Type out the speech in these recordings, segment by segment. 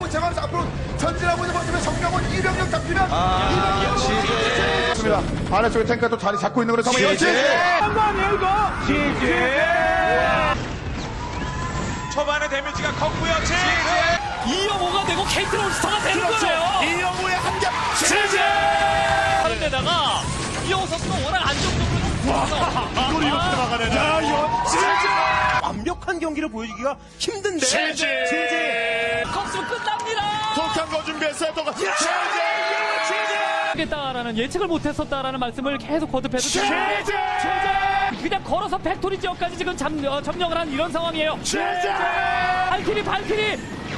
제거하면서 앞으로 전진하고 있는 모습에 정명훈 이병력 잡히면 이병력 아래쪽에 탱크가 또 자리 잡고 있는 거로 정말 한거 아니에요 이거? 초반에 데미지가 컸고요. 이영호가 되고 케이트 롤스터가 되는 거예요. 이영호의 한겹 그런데다가 이영호 선수가 워낙 안정적으로 이걸 이렇게 막아내네. 완벽한 경기를 보여주기가 힘든데 컵스면 끝납니다. 독한 거 준비했어요. 똑같이 겠다라는 예측을 못했었다라는 말씀을 계속 거듭해도 그냥 걸어서 팩토리 지역까지 지금 점령을 한 이런 상황이에요. 발키리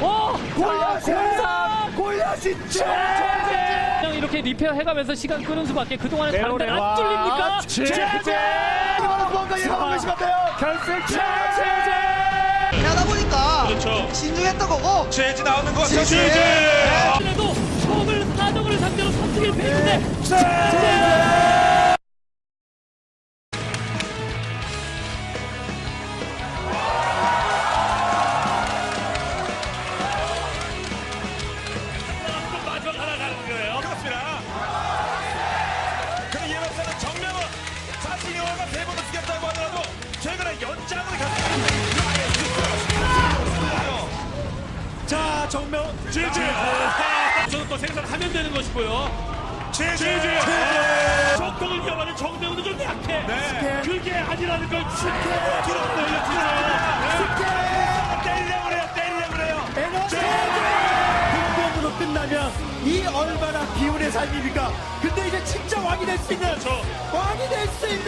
골리앗이 그냥 이렇게 리페어 해가면서 시간 끄는 수밖에 그동안에 다른 데는 안 뚫립니까? 이거는 뭔가 예상하고 계시면 돼요. 하다 보니까 그렇죠. 신중했던 거고 최지 나오는 것 같아요. 그래도 총을 사정을 상대로 선수를 패는데 마지막 하나 가는 거예요. 그렇습니다. 그럼 예박사는 정명은 사실 영화가 대본을 쓰겠다고 하더라도 최근에 연장을 자 정명 제재 저는 또 생산하면 되는 것이고요. 정통을 이어가는 정명도 좀 약해. 그게 아니라는 걸 때리려고 그래요. 공범으로 끝나면 이 얼마나 기운의 삶입니까? 근데 이제 진짜 왕이 될 수 있는 왕이 될 수 있는